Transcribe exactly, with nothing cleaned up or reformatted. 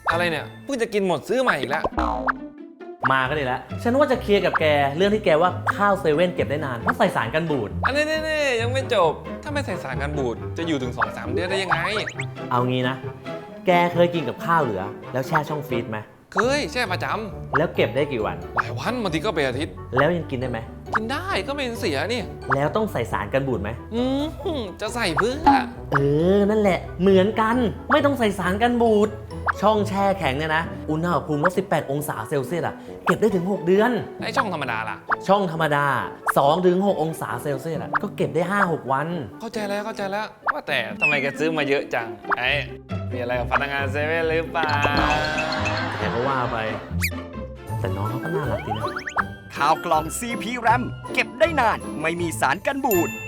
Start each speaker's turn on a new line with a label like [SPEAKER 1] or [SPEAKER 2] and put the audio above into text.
[SPEAKER 1] อะไรเนี่ยเพิ่งจะกินหมดซื้อใหม่อีกแล้ว
[SPEAKER 2] มาก็ดีแล้วฉันว่าจะเคลียร์กับแกเรื่องที่แกว่าข้าวเซเว่นเก็บได้นานเพราะใส่สารกันบูด
[SPEAKER 1] อันนี้นี่ยังไม่จบถ้าไม่ใส่สารกันบูดจะอยู่ถึง สองสาม เดือนได้ยังไง
[SPEAKER 2] เอางี้นะแกเคยกินกับข้าวเหลือแล้วแช่ช่องฟรีซไหม
[SPEAKER 1] เคยแช่ประจำ
[SPEAKER 2] แล้วเก็บได้กี่วัน
[SPEAKER 1] หลายวันบางทีก็เป็นอาทิตย์
[SPEAKER 2] แล้วยังกินได้ไหม
[SPEAKER 1] กินได้ก็ไม่เสียนี่
[SPEAKER 2] แล้วต้องใส่สารกันบูดไหม
[SPEAKER 1] อืมจะใส่เพื่อ
[SPEAKER 2] เออนั่นแหละเหมือนกันไม่ต้องใส่สารกันบูดช่องแช่แข็งเนี่ยนะอุณหภูมิลบสิบแปดองศาเซลเซียสอะเก็บได้ถึงหกเดือน
[SPEAKER 1] ไอช่องธรรมดาล่ะ
[SPEAKER 2] ช่องธรรมดา สองถึงหก องศาเซลเซียสอะก็เก็บได้ ห้าหก วัน
[SPEAKER 1] เข้าใจแล้วเข้าใจแล้วว่าแต่ทำไมแกซื้อมาเยอะจังไอ้มีอะไรกับพนักงานเซเว่นหรือเปล่า
[SPEAKER 2] แกก็ว่าไปแต่น้องเขาก็น่ารักดีนะ
[SPEAKER 3] ข้าวกล่อง ซี พี แรม เก็บได้นานไม่มีสารกันบูด